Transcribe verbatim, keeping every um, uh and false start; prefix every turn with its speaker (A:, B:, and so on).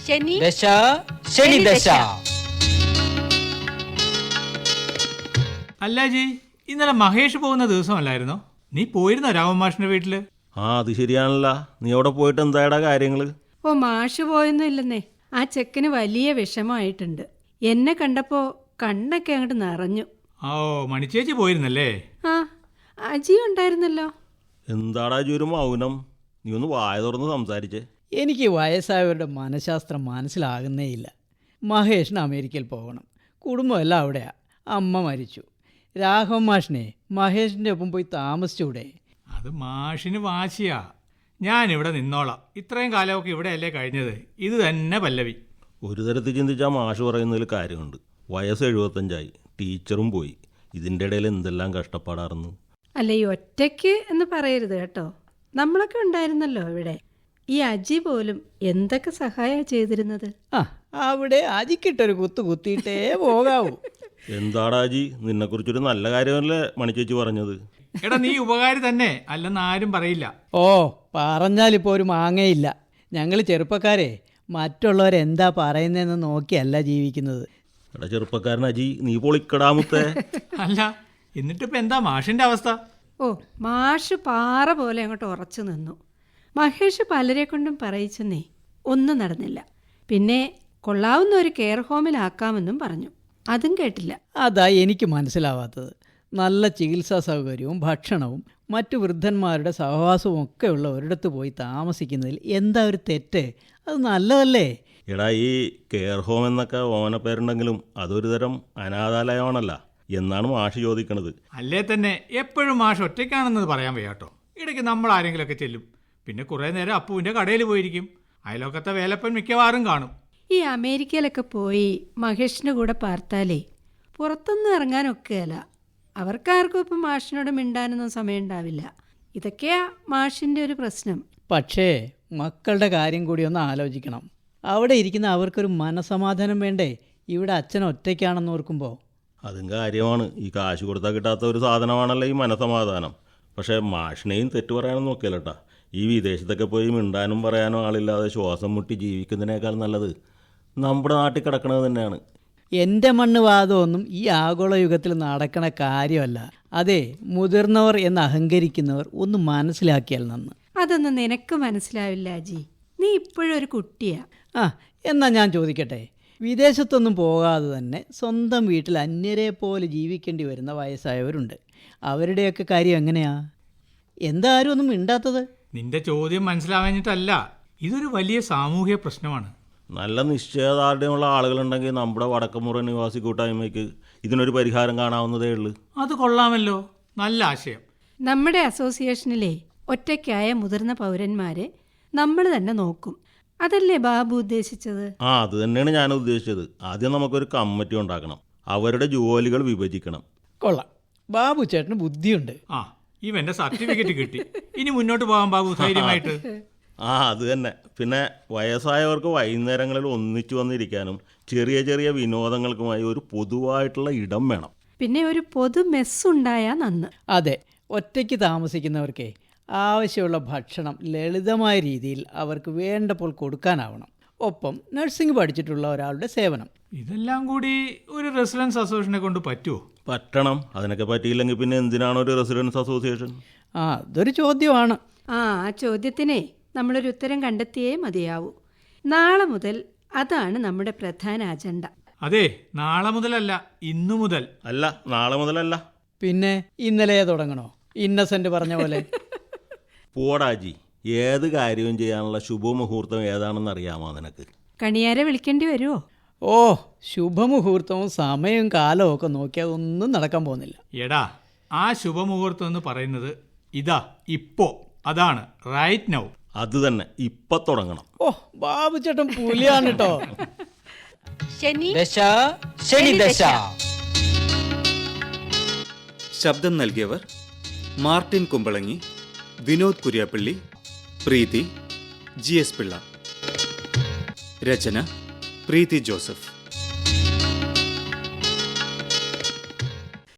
A: ശനി
B: ദശ ശനി ദശ.
C: അല്ല ജി, ഇന്നലെ മഹേഷ് പോകുന്ന ദിവസമല്ലായിരുന്നോ? നീ പോയിരുന്നോ രാമൻ മാഷിന്റെ വീട്ടില്?
D: ആ അത് ശരിയാണല്ല. നീ അവിടെ പോയിട്ട് എന്തായടാ കാര്യങ്ങള്?
A: ഓ മാഷ് പോയൊന്നും ഇല്ലെന്നേ. ആ ചെക്കന് വലിയ വിഷമമായിട്ടുണ്ട്. എന്നെ കണ്ടപ്പോ കണ്ണൊക്കെ അങ്ങോട്ട് നിറഞ്ഞു.
C: ഓ മണിച്ചേച്ചി പോയിരുന്നല്ലേ?
A: ആ അജി ഉണ്ടായിരുന്നല്ലോ.
D: എന്താടാ ജി ഒരു മൗനം? നീ ഒന്ന് വായ തുറന്ന് സംസാരിച്ചേ.
B: എനിക്ക് വയസ്സായവരുടെ മനഃശാസ്ത്രം മനസ്സിലാകുന്നേയില്ല. മഹേഷിന് അമേരിക്കയിൽ പോകണം. കുടുംബമെല്ലാം അവിടെയാ. അമ്മ മരിച്ചു. രാഘവൻ മാഷിനെ മഹേഷിൻ്റെ ഒപ്പം പോയി താമസിച്ചൂടെ?
C: അത് മാഷിന് വാശിയാ. ഞാനിവിടെ നിന്നോളാം. ഇത്രയും കാലമൊക്കെ ഇവിടെയല്ലേ കഴിഞ്ഞത്. ഇത് തന്നെ പല്ലവി.
D: ഒരു തരത്തിൽ ചിന്തിച്ചാൽ മാഷ് പറയുന്നതിൽ കാര്യമുണ്ട്. വയസ്സ് എഴുപത്തഞ്ചായി, ടീച്ചറും പോയി. ഇതിൻ്റെ ഇടയിൽ എന്തെല്ലാം കഷ്ടപ്പാടായിരുന്നു.
A: അല്ല ഈ ഒറ്റയ്ക്ക് എന്ന് പറയരുത് കേട്ടോ. നമ്മളൊക്കെ ഉണ്ടായിരുന്നല്ലോ ഇവിടെ. ഈ അജി പോലും എന്തൊക്കെ സഹായ ചെയ്തിരുന്നത്.
B: ആ അവിടെ അജിക്കിട്ടൊരു കുത്തു കുത്തിയിട്ടേ പോകാവൂ.
D: എന്താടാ ജി, നിന്നെക്കുറിച്ചൊരു നല്ല കാര്യമല്ലേ മണിച്ചേച്ചി പറഞ്ഞത്?
C: എടാ നീ ഉപകാരി തന്നെ അല്ലെന്ന് ആരും പറയില്ല.
B: ഓ പറഞ്ഞാലിപ്പോൾ ഒരു മാങ്ങയില്ല. ഞങ്ങൾ ചെറുപ്പക്കാരെ മറ്റുള്ളവരെന്താ പറയുന്നതെന്ന് നോക്കിയല്ല ജീവിക്കുന്നത്.
D: എടാ ചെറുപ്പക്കാരൻ അജി, നീ പൊളിക്കടാമുത്തേ.
C: അല്ല എന്നിട്ടിപ്പോ എന്താ മാഷിന്റെ അവസ്ഥ?
A: ഓ മാഷ് പാറ പോലെ അങ്ങോട്ട് ഉറച്ചു നിന്നു. മഹേഷ് പലരെ കൊണ്ടും പറയിച്ചെന്നേ ഒന്നും നടന്നില്ല. പിന്നെ കൊള്ളാവുന്ന ഒരു കെയർ ഹോമിലാക്കാമെന്നും പറഞ്ഞു. അതും കേട്ടില്ല.
B: അതാ എനിക്ക് മനസ്സിലാവാത്തത്. നല്ല ചികിത്സാ സൗകര്യവും ഭക്ഷണവും മറ്റു വൃദ്ധന്മാരുടെ സഹവാസവും ഒക്കെ ഉള്ള ഒരിടത്ത് പോയി താമസിക്കുന്നതിൽ എന്താ ഒരു തെറ്റ്? അത് നല്ലതല്ലേ?
D: എടാ ഈ കെയർ ഹോം എന്നൊക്കെ ഓന പേരുണ്ടെങ്കിലും അതൊരു തരം അനാഥാലയമാണല്ല എന്നാണ് മാഷ് ചോദിക്കണത്.
C: അല്ലേ തന്നെ എപ്പോഴും മാഷ് ഒറ്റയ്ക്കാണെന്നത് പറയാൻ വയ്യാട്ടോ. ഇടയ്ക്ക് നമ്മൾ ആരെങ്കിലുമൊക്കെ ചെല്ലും. പിന്നെ കുറേ നേരം അപ്പുവിൻ്റെ കടയിൽ പോയിരിക്കും. അയലോക്കത്തെ വേലപ്പൻ മിക്കവാറും കാണും.
A: ഈ അമേരിക്കയിലൊക്കെ പോയി മഹേഷിൻ്റെ കൂടെ പാർത്താലേ പുറത്തൊന്നും ഇറങ്ങാനൊക്കെയല്ല. അവർക്കാർക്കും ഇപ്പം മാഷിനോട് മിണ്ടാനൊന്നും സമയം ഉണ്ടാവില്ല. ഇതൊക്കെയാ മാഷിൻ്റെ ഒരു പ്രശ്നം.
B: പക്ഷേ മക്കളുടെ കാര്യം കൂടി ഒന്ന് ആലോചിക്കണം. അവിടെ ഇരിക്കുന്ന അവർക്കൊരു മനസമാധാനം വേണ്ടേ? ഇവിടെ അച്ഛൻ ഒറ്റയ്ക്കാണെന്ന് ഓർക്കുമ്പോൾ.
D: അതും കാര്യമാണ്. ഈ കാശ് കൊടുത്താൽ കിട്ടാത്ത ഒരു സാധനമാണല്ലോ ഈ മനസമാധാനം. പക്ഷേ മാഷിനെയും തെറ്റു പറയാനൊന്നും നോക്കിയല്ലേട്ടാ. ഈ വിദേശത്തൊക്കെ പോയി മിണ്ടാനും പറയാനും ആളില്ലാതെ ശ്വാസം മുട്ടി ജീവിക്കുന്നതിനേക്കാൾ നല്ലത് നമ്മുടെ നാട്ടിൽ കിടക്കണത് തന്നെയാണ്.
B: എൻ്റെ മണ്ണ് വാദമൊന്നും ഈ ആഗോള യുഗത്തിൽ നടക്കണ കാര്യമല്ല. അതെ, മുതിർന്നവർ എന്ന് അഹങ്കരിക്കുന്നവർ ഒന്ന് മനസ്സിലാക്കിയാൽ നന്ന്.
A: അതൊന്നും നിനക്ക് മനസ്സിലാവില്ല അജി. നീ ഇപ്പോഴും ഒരു കുട്ടിയാ.
B: ആ എന്നാൽ ഞാൻ ചോദിക്കട്ടെ, വിദേശത്തൊന്നും പോകാതെ തന്നെ സ്വന്തം വീട്ടിൽ അന്യരെ പോലെ ജീവിക്കേണ്ടി വരുന്ന വയസ്സായവരുണ്ട്. അവരുടെയൊക്കെ കാര്യം എങ്ങനെയാ? എന്താ ആരും ഒന്നും മിണ്ടാത്തത്?
C: നിന്റെ ചോദ്യം മനസ്സിലാവാഞ്ഞിട്ടല്ല. ഇതൊരു വലിയ സാമൂഹ്യ പ്രശ്നമാണ്.
D: നല്ല നിശ്ചയദാർഢ്യമുള്ള ആളുകളുണ്ടെങ്കിൽ നമ്മുടെ വടക്കമുറ നിവാസി കൂട്ടായ്മയ്ക്ക് ഇതിനൊരു പരിഹാരം കാണാവുന്നതേ ഉള്ളൂ.
C: അത് കൊള്ളാമല്ലോ, നല്ല ആശയം.
A: നമ്മുടെ അസോസിയേഷനിലെ ഒറ്റയ്ക്കായ മുതിർന്ന പൗരന്മാരെ നമ്മൾ തന്നെ നോക്കും. അതല്ലേ ബാബു ഉദ്ദേശിച്ചത്?
D: ആ അത് തന്നെയാണ് ഞാൻ ഉദ്ദേശിച്ചത്. ആദ്യം നമുക്കൊരു കമ്മിറ്റി ഉണ്ടാക്കണം. അവരുടെ ജോലികൾ വിഭജിക്കണം.
B: കൊള്ളാം, ബാബു ചേട്ടന് ബുദ്ധിയുണ്ട്.
C: ആ ഇവന്റെ സർട്ടിഫിക്കറ്റ് കിട്ടി. ഇനി മുന്നോട്ട് പോകാൻ ബാബു ധൈര്യമായിട്ട്.
D: ആ അത് തന്നെ. പിന്നെ വയസ്സായവർക്ക് വൈകുന്നേരങ്ങളിൽ ഒന്നിച്ചു വന്നിരിക്കാനും ചെറിയ ചെറിയ വിനോദങ്ങൾക്കുമായി ഒരു പൊതുവായിട്ടുള്ള ഇടം വേണം.
A: പിന്നെ ഒരു പൊതു മെസ്സുണ്ടായാ നന്ന്.
B: അതെ, ഒറ്റയ്ക്ക് താമസിക്കുന്നവർക്കേ ആവശ്യമുള്ള ഭക്ഷണം ലളിതമായ രീതിയിൽ അവർക്ക് വേണ്ടപ്പോൾ കൊടുക്കാനാവണം. ഒപ്പം നഴ്സിംഗ് പഠിച്ചിട്ടുള്ള ഒരാളുടെ സേവനം.
C: ഇതെല്ലാം കൂടി ഒരു റെസിഡൻസ് അസോസിയേഷനെ കൊണ്ട് പറ്റുമോ?
D: പറ്റണം. അതിനൊക്കെ പറ്റിയില്ലെങ്കിൽ പിന്നെ എന്തിനാണ് ഒരു റെസിഡൻസ് അസോസിയേഷൻ?
B: ആ അതൊരു ചോദ്യമാണ്.
A: ആ ആ ചോദ്യത്തിനെ നമ്മളൊരു ഉത്തരം കണ്ടെത്തിയേ മതിയാവൂ. നാളെ മുതൽ അതാണ് നമ്മുടെ പ്രധാന അജണ്ട.
C: അതെ, നാളെ മുതലല്ല, ഇന്നു മുതൽ.
D: അല്ല, നാളെ മുതലല്ല.
B: പിന്നെ ഇന്നലെ തുടങ്ങണോ? ഇന്നസെന്റ് പറഞ്ഞ പോലെ.
D: പോടാജി, ഏത് കാര്യവും ചെയ്യാനുള്ള ശുഭമുഹൂർത്തം ഏതാണെന്ന് അറിയാമോ നിനക്ക്?
A: കണിയാരെ വിളിക്കേണ്ടി വരുമോ?
B: ഓ ശുഭമുഹൂർത്തവും സമയവും കാലവും ഒക്കെ നോക്കിയാൽ ഒന്നും നടക്കാൻ പോകുന്നില്ല.
C: എടാ, ആ ശുഭമുഹൂർത്തം എന്ന് പറയുന്നത് ഇതാ ഇപ്പോ. അതാണ് റൈറ്റ് നൗ.
D: അത് തന്നെ, ഇപ്പൊ തുടങ്ങണം.
B: ഓ ബാബു ചേട്ടൻ പുലിയാണ് കേട്ടോ.
A: ശനി
B: ദശ ശനി ദശ.
E: ശബ്ദം നൽകിയവർ Martin Kumbalangi, Vinod Kuriyappally, Preethi, G S Pillai. രചന പ്രീതി ജോസഫ്.